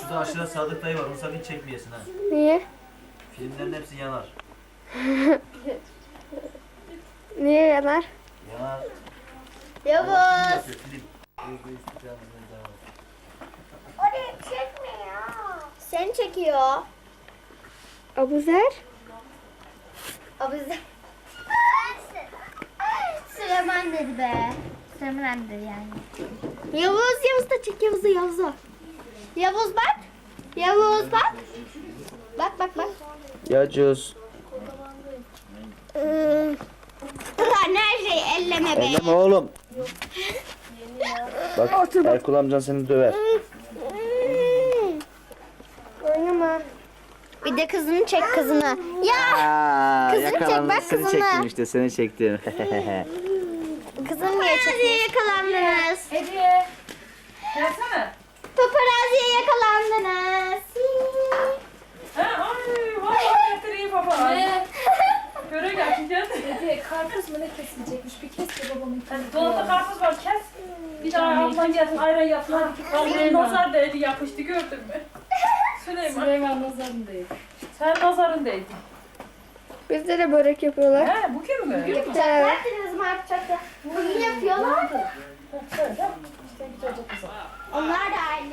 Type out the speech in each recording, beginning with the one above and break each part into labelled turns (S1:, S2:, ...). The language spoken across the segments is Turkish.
S1: Şurada aşağıda Sadık dayı var. Onu sakın çekmeyesin ha.
S2: Niye?
S1: Filmlerin hepsi yanar.
S2: Niye yanar?
S1: Yanar.
S3: Yavuz.
S1: Yapıyor, film.
S3: Oraya çekmiyor. Seni çekiyor.
S2: Abuzer?
S3: Abuzer. Süleyman dedi be. Süleyman dedi yani. Yavuz da çek Yavuz'u. Yavuz bak. Yavuz bak. Bak.
S1: Yacuz.
S3: Ulan her şeyi elleme be.
S1: Elleme oğlum. Bak Erkul amcan seni döver.
S2: Oynama.
S3: Bir de kızını çek kızını. Ya kızını çek bak
S1: Seni
S3: kızını.
S1: çektim işte seni çektim.
S3: Kızını niye çekiyorsun? Yakalandınız.
S4: Hediye. Gelsene.
S3: Paparaziye yakalandınız.
S4: Ha, ay, vallahi getireyim baba. Ne? Göre gel, gel.
S5: Hediye karpuz mu ne kesilecekmiş? Bir kes de babamın
S4: Hadi dolapta karpuz var, kes. Bir daha ablan gelsin, ayran yapsın. Hadi nazar değdi, yapıştı, gördün mü? Süleyman,
S5: Süleyman nazarındayım.
S4: sen nazarın değdin.
S2: Bizde de börek yapıyorlar.
S4: He, bugün mü?
S3: Yapacaklar dediniz mi yapacaktı? Bugün yapıyorlar.
S4: Şöyle, işte güzelce kızım.
S3: Onlar da aynı.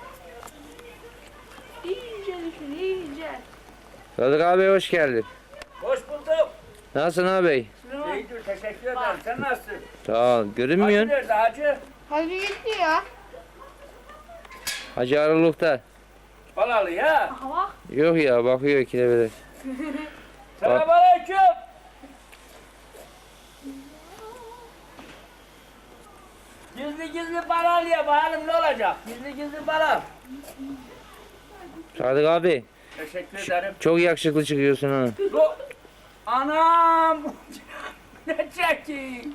S6: Sadık abi hoş geldin.
S7: Hoş bulduk.
S6: Nasılsın abi?
S7: İyidir, teşekkür ederim. Sen nasılsın?
S6: Sağ ol.
S7: Hacı
S6: Görünmüyorsun.
S7: nerede hacı?
S3: Hadi gidiyor.
S6: Hacı Araluk'ta.
S7: Balalı ya.
S6: Yok ya bakıyor kelebeler.
S7: Selamünaleyküm. Gizli balal ya. Bakalım ne olacak? Gizli balal.
S6: Sadık abi
S7: Teşekkür ederim.
S6: çok yakışıklı çıkıyorsun ha.
S7: Anam. Ne çeki?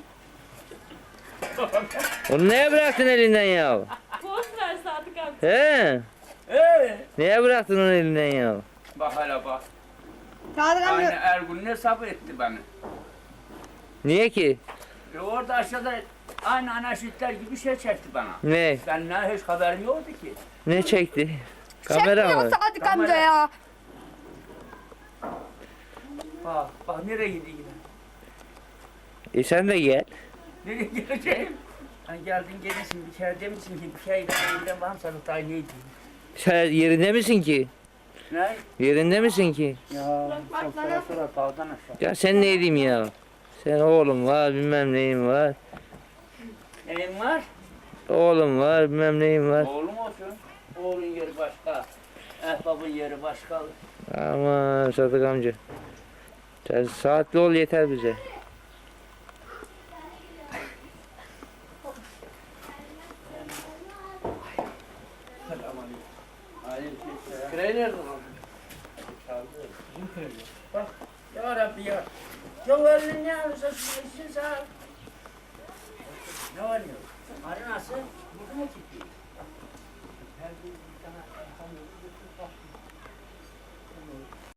S6: Onu neye bıraktın elinden ya?
S4: Boş ver Sadık abi.
S6: He? Neye bıraktın onu elinden ya?
S7: Bak hele bak.
S2: Sadık
S7: Aynı
S2: amca.
S7: Ergun ne sabır etti beni.
S6: Niye ki?
S7: Orada aşağıda aynı anaşitler gibi şey çekti bana.
S6: Ne?
S7: Ben ne hiç haberim yoktu ki.
S6: Ne çekti? Kamera mı?
S2: Sadık
S7: Kamera.
S2: amca ya.
S7: Bak nereye gidiyor?
S6: Sen de gel.
S7: Nereye geleceğim? Hani geldin gelirsin bir kere demişsin ki bir şeyle elinden var mı sana daha neydi?
S6: Sen yerinde misin ki?
S7: Ne?
S6: Yerinde misin ki?
S7: Ya sonra dağdan aşağı.
S6: Ya sen ne diyeyim ya? Sen oğlum var bilmem neyin var.
S7: Neyin var?
S6: Oğlum var bilmem neyin var.
S7: Oğlum olsun. Oğlun yeri başka. Ehbabın yeri başka.
S6: Aman Sadık amca. Sen saatli ol yeter bize.
S7: Küreği nerede lan? Bak ya Rabbi ya. Ya elini ne alırsa işin sağ. Ne var ya? Arı nasıl? Burada mı çıktı? Her bir tane